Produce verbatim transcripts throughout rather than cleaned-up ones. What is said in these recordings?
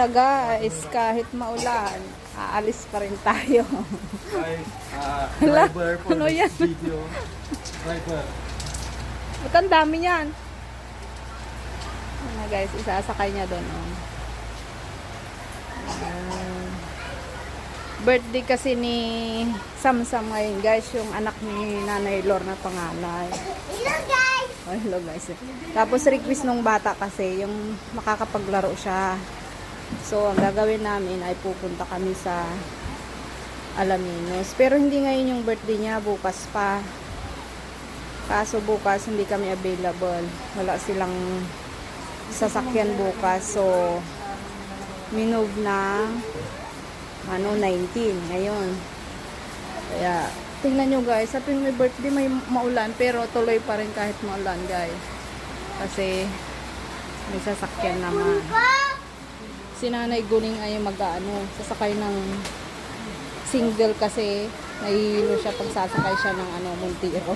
pala guys, kahit maulan, aalis pa rin tayo. Guys, uh, Hala, driver for ano this yan? video. Driver. Ba't ang dami niyan? Ano guys, isasakay niya doon. Oh. Uh, birthday kasi ni Samsam ngayon guys, yung anak ni Nanay Lor na panganay. Hello guys! Oh, hello guys. Tapos request nung bata kasi yung makakapaglaro siya. So ang gagawin namin ay pupunta kami sa Alaminos. Pero hindi ngayon yung birthday niya, bukas pa. Kaso bukas hindi kami available. Wala silang sasakyan bukas. So minove na ano nineteen ngayon. Kaya tingnan nyo guys, sa tuwing may birthday may maulan pero tuloy pa rin kahit maulan guys. Kasi may sasakyan naman. Si Nanay Guning ay mag-ano, sasakay ng single kasi nahihilo siya pag sasakay siya ng ano, Montero.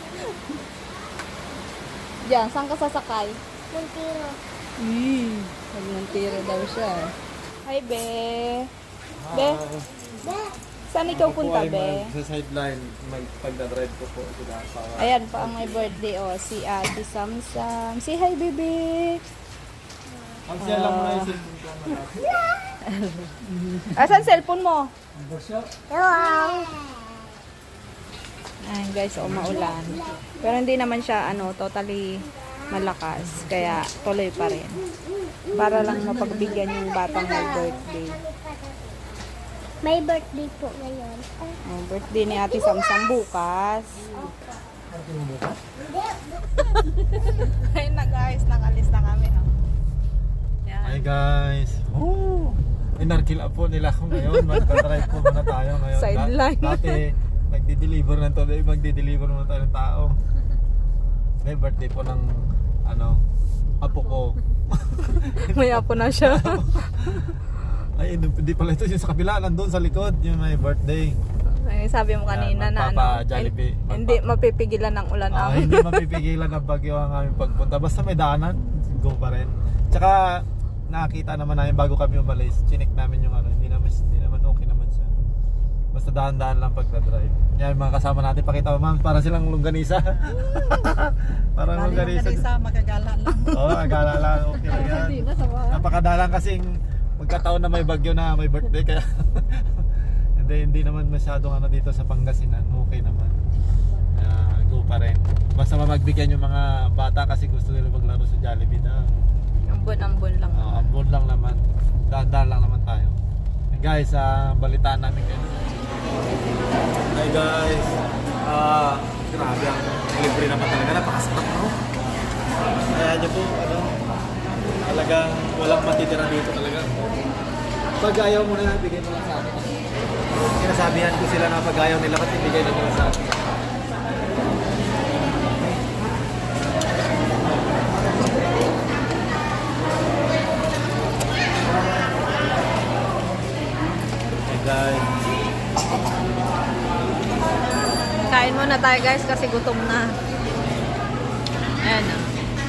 Diyan, saan ka sasakay? Montero. Eh, pag Montero daw siya. Hi, Be. Be, saan ikaw punta, Be? Sa sideline, may pagdadrive ko po sila sa... Ayan pa ang may birthday, oh. Si Ate Samsam. Si hi, baby. Ang siya lang muna yung cellphone ko na Asan cellphone mo? Hello! Ayan, guys, oh, maulan. Pero hindi naman siya, ano, totally malakas. Kaya, tuloy pa rin. Para lang mapagbigyan yung batang may birthday. May birthday po ngayon. Oh, birthday ni Ate Samsam bukas. Ayun na guys, nakalis na kami. Oh. Yan. Hi guys! Oh! Inarkila po nila ako ngayon. Magdadrive po muna tayo ngayon. Sideline. Da- Dati, magdi-deliver ng todo. Magdi-deliver muna tayo ng tao. May birthday po ng ano, apo ko. May apo na siya. Ay, hindi pala ito yung sa kabila, nandun sa likod, yung may birthday. Ay, sabi mo kanina Yan, na ano, magpapa-Jollibee. hin- hindi mapipigilan ng ulan Ah, ang. hindi mapipigilan ng bagyo ang aming pagpunta. Basta may daanan, go pa rin. Tsaka nakakita naman namin bago kami umalis, chinik namin yung ano, hindi naman, hindi naman okay naman siya. Basta dahan-dahan lang pagka-drive. Yan, mga kasama natin, pakita mo ma'am, para silang longganisa. Parang longganisa. Magagala lang. Oo, oh, agala lang, okay lang yan. Napakadalang kasing magkataon na may bagyo na may birthday kaya hindi hindi naman masyadong ano dito sa Pangasinan, okay naman. Uh, go pa rin. Basta magbigyan yung mga bata kasi gusto nila maglaro sa Jollibee na. Ambon-ambon lang. Uh, ambon lang naman. Dahan-dahan lang naman tayo. And guys, uh, balitaan namin kayo. Hi guys. Ah, uh, grabe ang libre naman talaga, napakasarap no. Kaya niyo po ano, talagang walang matitira dito talaga. Pag ayaw mo na, bigay mo lang sa akin. Sinasabihan ko sila na pag ayaw nila, ba't ibigay na nila sa akin? Hey guys. Kain muna tayo guys kasi gutom na. Ayan na.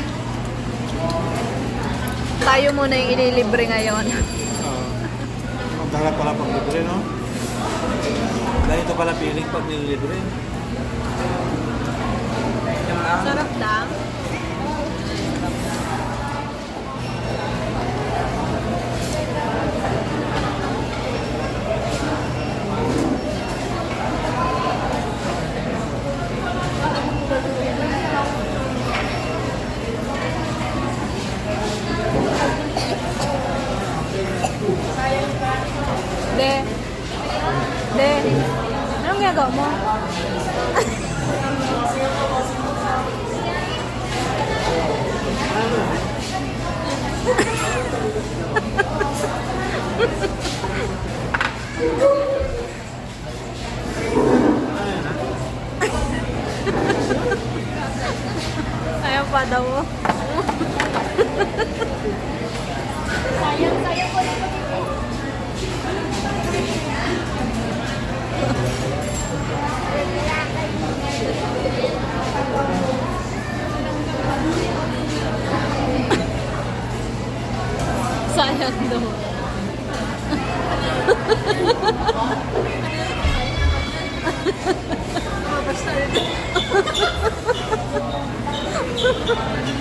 Tayo muna yung ililibre ngayon. Ang harap pala pag libre, no? Dahil ito pala feeling pag nililibre. Sarap lang. De. De. Anong ginagawa mo? Ayaw pa daw mo. Sayang, sayang ko lang po dito. Sayang daw. Basta